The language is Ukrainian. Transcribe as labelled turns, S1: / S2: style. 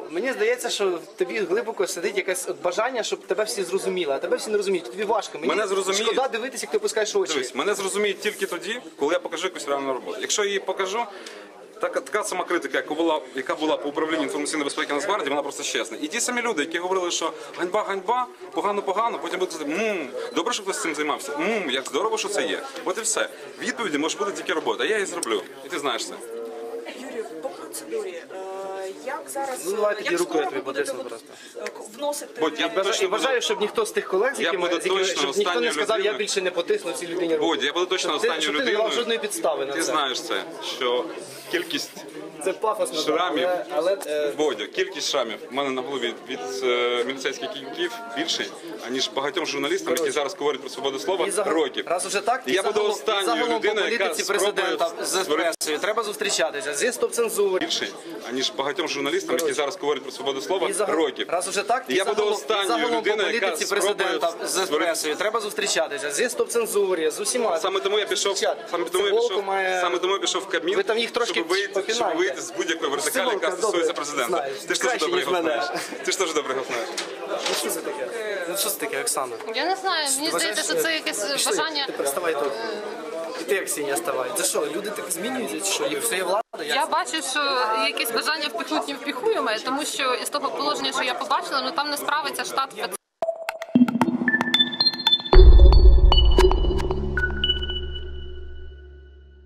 S1: мені здається, що в тобі глибоко сидить якесь бажання, щоб тебе всі зрозуміли, а тебе всі не розуміють, тобі важко. Мені шкода дивитися, як ти опускаєш очі.
S2: Дивись, мене зрозуміють тільки тоді, коли я покажу якусь реальну роботу. Якщо я її покажу, така сама критика, яка була по управлінню інформаційної безпеки Нацгвардії, вона просто чесна. І ті самі люди, які говорили, що ганьба, ганьба, погано, потім будуть сказати, добре, що хтось цим займався, як здорово, що це є. От і все. Відповіді може бути тільки робота, а я її зроблю. І ти знаєш це.
S3: Юрію, по процедурі, як зараз,
S1: Ну, давай тоді
S3: як
S1: рукою
S3: скоро ви
S1: тобі
S3: будете
S1: потисну просто.
S3: вносити...
S1: І бажаю, щоб ніхто з тих колег, щоб ніхто не сказав, я більше не потисну цій людині руку.
S2: Бодь, я буду точно останньою
S1: Щоб ти не
S2: людиною.
S1: мав жодної підстави на це.
S2: Ти знаєш це, що кількість
S1: Це пафосно,
S2: шрамів,
S1: але
S2: Бодя, кількість шрамів в мене на голові від міліцейських кіньків більший, аніж багатьом журналістам, які зараз говорять про свободу слова, років.
S1: Раз уже так,
S2: І я буду останньою людиною, яка
S1: президента з пресою. Треба зустрічатися зі стоп-цензури.
S2: Більший, аніж багатьом журналістам, які зараз говорять про свободу слова, років.
S1: Раз уже так,
S2: І я буду останньою людиною, яка
S1: президента з пресою. Треба зустрічатися зі стоп-цензурі, з усіма.
S2: Саме тому я пішов в Кабмін,
S1: Ви там їх трошки
S2: щоб вийти з будь-якої вертикалі, яка стосується президента. Ти ж теж добре його знаєш. Ти ж теж добре його знаєш.
S1: Що це таке? Що це таке, Оксана?
S4: Я не знаю, мені здається, що це якесь бажання.
S1: Ти ставай тут. І ти, Ксенія, ставай. Це що, люди так змінюються, чи що? Їх все є влада?
S4: Я бачу, що якесь бажання впихнуть невпіхуєме, тому що із того положення, що я побачила, там не справиться штат